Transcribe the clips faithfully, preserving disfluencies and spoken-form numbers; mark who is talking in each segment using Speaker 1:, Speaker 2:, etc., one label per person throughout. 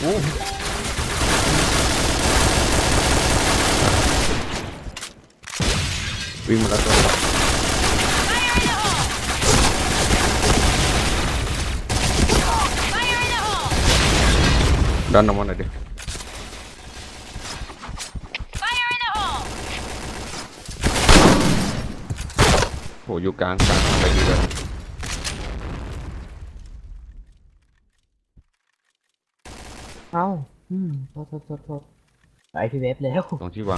Speaker 1: วิ่งมาแล้วตัวดันออกมาหน่อยดิโหอยู่กลางกลางไปดีเลย
Speaker 2: เอ้าอืมโทษโทษโทษโทษไอพีเวฟแล้ว
Speaker 1: ตรงที่วาง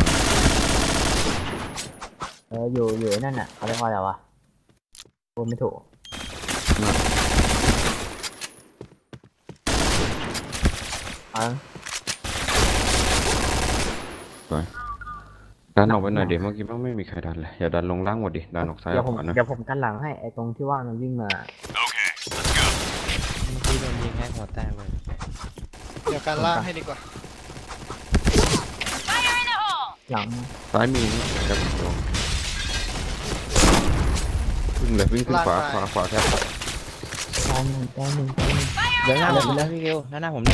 Speaker 2: เอออยู่อยู่นั่นน่ะเขาเรียกว่าอะไรวะพูดไม่ถูกอ่ะ
Speaker 1: ไปดันออกไปหน่อยเดี๋ยวเมื่อกี้มันไม่มีใครดันเลยอย่าดันลงล่างหมดดิดันออกซ้ายอ
Speaker 2: เดี๋ย
Speaker 1: อ
Speaker 2: ว
Speaker 1: ก
Speaker 2: ผม
Speaker 1: ขวานะ
Speaker 2: เดี๋ยวผมกันหลังให้ไอตรงที่ว่ามันวิ่งมา
Speaker 3: เมื่อกี้โดนยิงให้หัวแตกเลย
Speaker 4: เดี๋ยวการล่างให้ดีกว่า
Speaker 2: หลัง
Speaker 1: ซ้ายมีนี่ครับวิ่งเลยวิ่งขึ้นขวาขวาขวาแทบ
Speaker 2: ตายหนึ่งตายหนึ่งตายหนึ่ง
Speaker 3: เดี๋ยวหน้าผมแล้วพี่เกลหน้าหน้าผมเนี่ย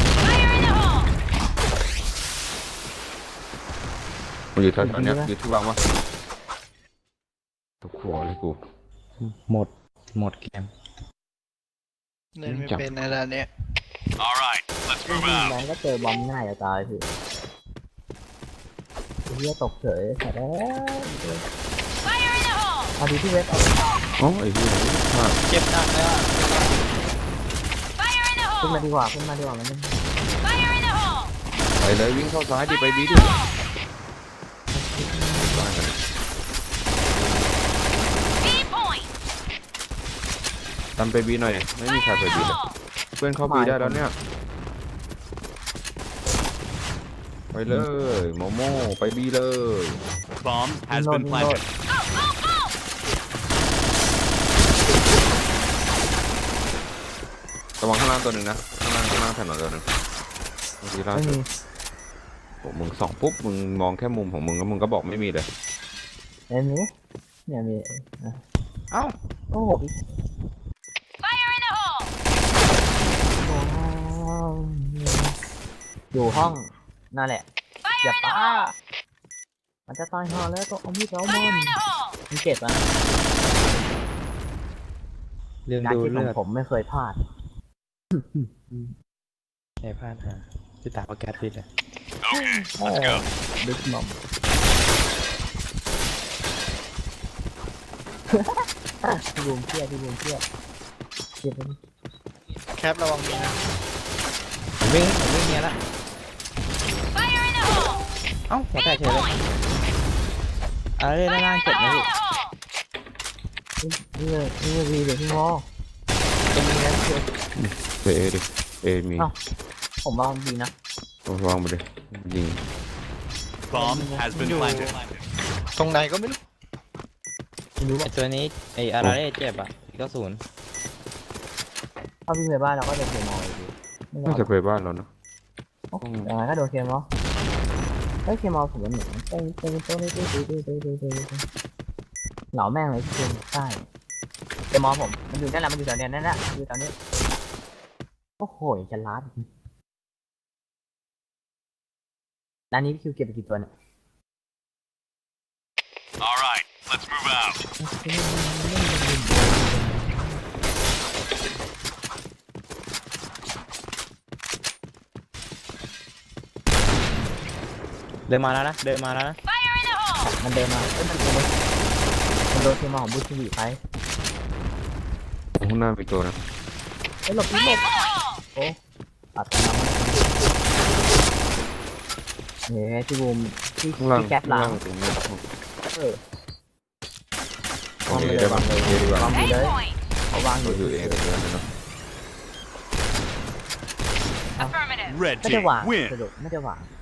Speaker 1: มันอยู่แถวๆเนี้ยอยู่ที่วางวะตกหัวเลยกู
Speaker 3: หมดหมดเกม
Speaker 4: เล่นไม่เป็นในร้านเนี้ย
Speaker 5: Alright, let's
Speaker 2: วิ่ง
Speaker 5: move
Speaker 2: แร
Speaker 5: out.
Speaker 2: งก็เจอบอมง่ายจะตายพี่เฮียตกเฉยแต่แล้วเอาดีที่เวฟเอา
Speaker 1: โอ้ไอ้เหี้ยมาก
Speaker 4: เจ็บหนักเลยอ่ะ
Speaker 2: ขึ้นมาดีกว่าขึ้นมาดีกว่ามันไม่
Speaker 1: ไปเลยวิ่งเข้าซ้ายดิไปบีดิตามไปบีหน่อยไม่มีใครไปบีเลยเพื่อนเข้าบีได้แล้วเนี่ยไปเลยโมโม่ไปบีเลย
Speaker 5: Bomb has
Speaker 2: โนด
Speaker 5: been
Speaker 2: โนด
Speaker 5: planted.
Speaker 1: ระวังข้างล่างตัวหนึ่งนะข้างล่างข้างล่างถนนตัวหนึ่งบางทีล่า
Speaker 2: ไม่
Speaker 1: สุ
Speaker 2: มี
Speaker 1: ดผมมึงส่องปุ๊บมึงมองแค่มุมของมึงแล้วมึงก็บอกไม่มีเลย
Speaker 2: เอ็มนี้เนี่ยมี
Speaker 3: เอ้า
Speaker 2: โอ้โหอยู่ห้องนั่นแหละอย่าป้ามันจะตายห่าแล้วก็เอามีดเอามันมันเจ็บอ่ะ
Speaker 3: ลืม
Speaker 2: การ
Speaker 3: ดู
Speaker 2: คิดข
Speaker 3: เลื
Speaker 2: อง
Speaker 3: อด
Speaker 2: ผมไม่เคยพลาด
Speaker 3: ใช้พลาดฮะพี่ตาประแก๊สพิษเลย
Speaker 5: Okay, let's go.
Speaker 2: ดึกหม่อมพี่บูมเครียดพี่บูมเครียดเครียดเลย
Speaker 4: แคประวังมีนะ
Speaker 3: ผมวิ่งผมวิ่งเนี้ยละเอ้าหัวแตกเฉยเลยอะไรด้านล่างเจ็บนะพี่
Speaker 2: นี่เลยนี่เลยวีเดี๋ยวพี่งอ
Speaker 3: จะมีนั้นคือ
Speaker 1: เอดิเอมี
Speaker 2: ผมวางดีนะ
Speaker 1: วางไปเลยยิง
Speaker 5: Bomb has been planted.
Speaker 4: ตรงไหนก็ไม่รู้
Speaker 2: ไม่รู้
Speaker 3: ไอ
Speaker 2: ว่า
Speaker 3: ตัวนี้ไออาราเร่เจ็บอ่ะก็ศูนย์
Speaker 2: ถ้าวิ่งไปบ้านเราก็โดนเคมอลเลยพี่ไม่รอ
Speaker 1: น่า
Speaker 2: ด
Speaker 1: จะไปบ้านเราเนาะ
Speaker 2: อย่างไรก็โดนเคมอลเฮ้ยเคมอลผมมันเหมือนเต้นเต้นเต้นเต้นเต้นเต้นเต้นเต้นเต้นเต้นเหล่าแม่งเลยที่เคมใช่เคมอลผมมันอยู่นั่นแหละมันอยู่แถวเนี้ยนั่นแหละอยู่แถวนี้โอ้โหจะล้าด้านนี้คิวเก็บไปกี่ตัวเนี่ย
Speaker 5: Alright, let's move out.
Speaker 3: เดินมาแล้วนะเดินมาแล้วนะ
Speaker 2: มันเดินมาเอ้ยมันโดนมันโดนเคมอลของบูชวีไป
Speaker 1: ข้างหน้ามีตัวนะ
Speaker 2: เฮ้ยหลบหลบโอ้อัดกันแล้วเฮ้ยพี่บูมพี่
Speaker 1: ข้างล่าง
Speaker 2: พี่แก๊ปหลั
Speaker 1: ข้าง งล่างตรงนี้
Speaker 2: เออ
Speaker 1: โอเคได้ปะโอเคดีกว่า
Speaker 2: วางอยู่เลยเขาวางอ
Speaker 1: เรา
Speaker 2: ยู่
Speaker 1: อยู่เองกันเลยเนาะ
Speaker 5: Red
Speaker 2: ไม่ได้
Speaker 5: team
Speaker 2: วาง
Speaker 5: win.
Speaker 2: สรุปไม่ได้วาง